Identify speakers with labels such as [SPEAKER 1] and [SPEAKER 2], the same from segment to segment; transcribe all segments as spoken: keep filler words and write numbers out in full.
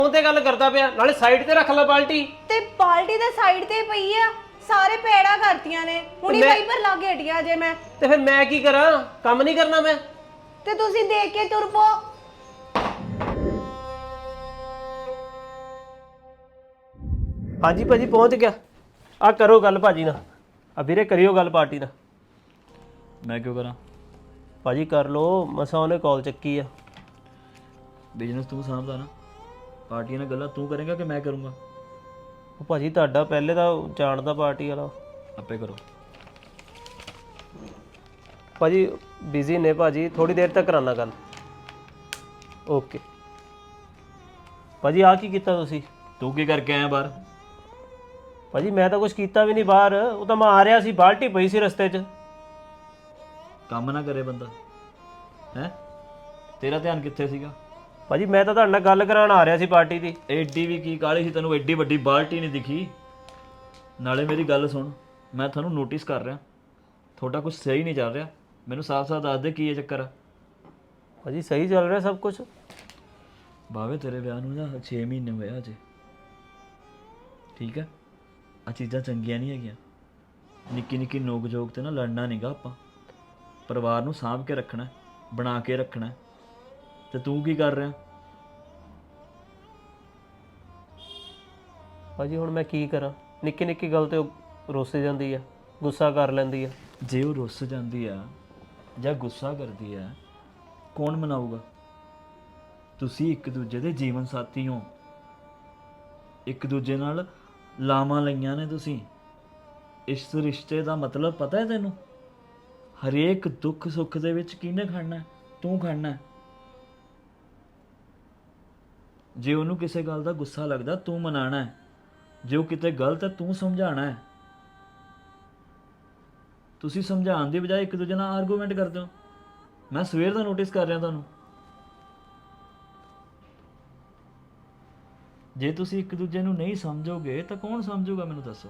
[SPEAKER 1] Phone ਤੇ ਗੱਲ ਕਰਦਾ ਪਿਆ, ਨਾਲੇ ਸਾਈਡ ਤੇ ਰੱਖ ਲੈ ਬਾਲਟੀ।
[SPEAKER 2] ਤੇ ਬਾਲਟੀ ਦੇ ਸਾਈਡ ਤੇ ਪਈ ਆ, ਸਾਰੇ ਪੈੜਾ ਕਰਤੀਆਂ ਨੇ, ਹੁਣੀ ਵਾਈਪਰ ਲਾ ਕੇ ਹਟਿਆ ਜੇ ਮੈਂ।
[SPEAKER 1] ਤੇ ਫਿਰ ਮੈਂ ਕੀ ਕਰਾਂ, ਕੰਮ ਨਹੀਂ ਕਰਨਾ ਮੈਂ?
[SPEAKER 2] ਤੇ ਤੁਸੀਂ ਦੇਖ ਕੇ ਤੁਰ ਪੋ।
[SPEAKER 1] ਹਾਂਜੀ ਭਾਜੀ ਪਹੁੰਚ ਗਿਆ। ਆ ਕਰੋ ਗੱਲ ਭਾਜੀ ਨਾਲ, ਆ ਵੀਰੇ ਕਰਿਓ ਗੱਲ ਪਾਰਟੀ ਨਾਲ।
[SPEAKER 3] ਮੈਂ ਕਿਉਂ ਕਰਾਂ
[SPEAKER 1] ਭਾਜੀ ਕਰ ਲੋ, ਮਸਾ ਉਹਨੇ ਕਾਲ ਚੱਕੀ ਆ।
[SPEAKER 3] ਬਿਜ਼ਨਸ ਤੂੰ ਸਾਂਭਦਾ ਨਾ, ਪਾਰਟੀਆਂ ਨਾਲ ਗੱਲਾਂ ਤੂੰ ਕਰੇਗਾ ਕਿ ਮੈਂ ਕਰੂੰਗਾ?
[SPEAKER 1] ਉਹ ਭਾਜੀ ਤੁਹਾਡਾ ਪਹਿਲੇ ਤਾਂ ਜਾਣਦਾ ਪਾਰਟੀ ਵਾਲਾ।
[SPEAKER 3] ਆਪੇ ਕਰੋ।
[SPEAKER 1] ਭਾਜੀ ਬਿਜ਼ੀ ਨੇ ਭਾਜੀ, ਥੋੜੀ ਦੇਰ ਤੱਕ ਕਰਾਨਾ ਗੱਲ। ਓਕੇ ਭਾਜੀ। ਆ ਕੀ ਕੀਤਾ ਤੁਸੀਂ?
[SPEAKER 3] ਤੂੰ ਕੀ ਕਰਕੇ ਆਇਆ ਬਾਹਰ?
[SPEAKER 1] ਭਾਜੀ ਮੈਂ ਤਾਂ ਕੁਝ ਕੀਤਾ ਵੀ ਨਹੀਂ ਬਾਹਰ, ਉਹ ਤਾਂ ਮੈਂ ਆ ਰਿਹਾ ਸੀ, ਬਾਲਟੀ ਪਈ ਸੀ ਰਸਤੇ 'ਚ।
[SPEAKER 3] ਕੰਮ ਨਾ ਕਰੇ ਬੰਦਾ ਹੈ, ਤੇਰਾ ਧਿਆਨ ਕਿੱਥੇ ਸੀਗਾ?
[SPEAKER 1] ਭਾਜੀ ਮੈਂ ਤਾਂ ਤੁਹਾਡੇ ਨਾਲ ਗੱਲ ਕਰਾਉਣ ਆ ਰਿਹਾ ਸੀ ਪਾਰਟੀ ਦੀ।
[SPEAKER 3] ਐਡੀ ਵੀ ਕੀ ਕਾਹਲੀ ਸੀ ਤੈਨੂੰ, ਐਡੀ ਵੱਡੀ ਬਾਲਟੀ ਨਹੀਂ ਦਿਖੀ? ਨਾਲੇ ਮੇਰੀ ਗੱਲ ਸੁਣ, ਮੈਂ ਤੁਹਾਨੂੰ ਨੋਟਿਸ ਕਰ ਰਿਹਾ, ਤੁਹਾਡਾ ਕੁਝ ਸਹੀ ਨਹੀਂ ਚੱਲ ਰਿਹਾ। ਮੈਨੂੰ ਸਾਫ਼-ਸਾਫ਼ ਦੱਸ ਦੇ ਕੀ ਇਹ ਚੱਕਰ ਆ।
[SPEAKER 1] ਭਾਜੀ ਸਹੀ ਚੱਲ ਰਿਹਾ ਸਭ ਕੁਝ।
[SPEAKER 3] ਬਾਵੇ ਤੇਰੇ ਵਿਆਹ ਨੂੰ ਨਾ ਛੇ ਮਹੀਨੇ ਹੋਏ ਅਜੇ, ਠੀਕ ਹੈ? ਆ ਚੀਜ਼ਾਂ ਚੰਗੀਆਂ ਨਹੀਂ ਹੈਗੀਆਂ। ਨਿੱਕੀ ਨਿੱਕੀ ਨੋਕ ਝੋਕ ਤੇ ਨਾ ਲੜਨਾ ਨਹੀਂਗਾ ਆਪਾਂ। ਪਰਿਵਾਰ ਨੂੰ ਸਾਂਭ ਕੇ ਰੱਖਣਾ, ਬਣਾ ਕੇ ਰੱਖਣਾ। ਤੇ ਤੂੰ ਕੀ ਕਰ ਰਿਹਾ?
[SPEAKER 1] ਭਾਜੀ ਹੁਣ ਮੈਂ ਕੀ ਕਰਾਂ, ਨਿੱਕੀ ਨਿੱਕੀ ਗੱਲ ਤੇ ਉਹ ਰੁੱਸ ਜਾਂਦੀ ਆ, ਗੁੱਸਾ ਕਰ ਲੈਂਦੀ ਆ।
[SPEAKER 3] ਜੇ ਉਹ ਰੁੱਸ ਜਾਂਦੀ ਆ ਜਾਂ ਗੁੱਸਾ ਕਰਦੀ ਆ, ਕੌਣ ਮਨਾਊਗਾ? ਤੁਸੀਂ ਇੱਕ ਦੂਜੇ ਦੇ ਜੀਵਨ ਸਾਥੀ ਹੋ, ਇੱਕ ਦੂਜੇ ਨਾਲ ਲਾਵਾਂ ਲਈਆਂ ਨੇ ਤੁਸੀਂ। ਇਸ ਰਿਸ਼ਤੇ ਦਾ ਮਤਲਬ ਪਤਾ ਹੈ ਤੈਨੂੰ? ਹਰੇਕ ਦੁੱਖ ਸੁੱਖ ਦੇ ਵਿੱਚ ਕਿਹਨੇ ਖੜਨਾ? ਤੂੰ ਖੜਨਾ। ਜੇ ਉਹਨੂੰ ਕਿਸੇ ਗੱਲ ਦਾ ਗੁੱਸਾ ਲੱਗਦਾ, ਤੂੰ ਮਨਾਣਾ ਹੈ। ਜੇ ਉਹ ਕਿਤੇ ਗਲਤ ਹੈ, ਤੂੰ ਸਮਝਾਣਾ ਹੈ। ਤੁਸੀਂ ਸਮਝਾਉਣ ਦੀ ਬਜਾਏ ਇੱਕ ਦੂਜੇ ਨਾਲ ਆਰਗੂਮੈਂਟ ਕਰਦੇ ਹੋ। ਮੈਂ ਸਵੇਰ ਦਾ ਨੋਟਿਸ ਕਰ ਰਿਹਾ ਤੁਹਾਨੂੰ। ਜੇ ਤੁਸੀਂ ਇੱਕ ਦੂਜੇ ਨੂੰ ਨਹੀਂ ਸਮਝੋਗੇ ਤਾਂ ਕੌਣ ਸਮਝੂਗਾ, ਮੈਨੂੰ ਦੱਸੋ?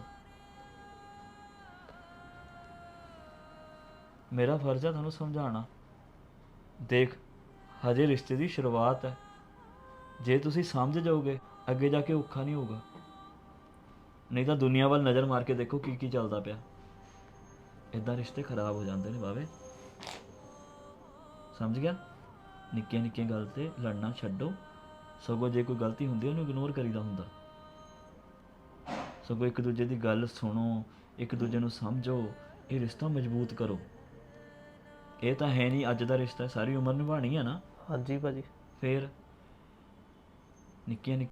[SPEAKER 3] ਮੇਰਾ ਫਰਜ਼ ਹੈ ਤੁਹਾਨੂੰ ਸਮਝਾਉਣਾ। ਦੇਖ, ਹਜੇ ਰਿਸ਼ਤੇ ਦੀ ਸ਼ੁਰੂਆਤ ਹੈ। ਜੇ ਤੁਸੀਂ ਸਮਝ ਜਾਓਗੇ, ਅੱਗੇ ਜਾ ਕੇ ਔਖਾ ਨਹੀਂ ਹੋਊਗਾ। ਨਹੀਂ ਤਾਂ ਦੁਨੀਆ ਵੱਲ ਨਜ਼ਰ ਮਾਰ ਕੇ ਦੇਖੋ ਕੀ ਕੀ ਚੱਲਦਾ ਪਿਆ। ਇੱਦਾਂ ਰਿਸ਼ਤੇ ਖਰਾਬ ਹੋ ਜਾਂਦੇ ਨੇ ਬਾਵੇ, ਸਮਝ ਗਿਆ? ਨਿੱਕੀਆਂ ਨਿੱਕੀਆਂ ਗੱਲ ਤੇ ਲੜਨਾ ਛੱਡੋ। ਸਗੋਂ ਜੇ ਕੋਈ ਗਲਤੀ ਹੁੰਦੀ ਉਹਨੂੰ ਇਗਨੋਰ ਕਰੀਦਾ ਹੁੰਦਾ। ਸਗੋਂ ਇੱਕ ਦੂਜੇ ਦੀ ਗੱਲ ਸੁਣੋ, ਇੱਕ ਦੂਜੇ ਨੂੰ ਸਮਝੋ, ਇਹ ਰਿਸ਼ਤਾ ਮਜ਼ਬੂਤ ਕਰੋ। ਇਹ ਤਾਂ ਹੈ ਨਹੀਂ ਅੱਜ ਦਾ ਰਿਸ਼ਤਾ, ਸਾਰੀ ਉਮਰ ਨਿਭਾਉਣੀ ਹੈ ਨਾ।
[SPEAKER 1] ਹਾਂਜੀ ਭਾਜੀ।
[SPEAKER 3] ਫੇਰ ਨਿੱਕੀਆਂ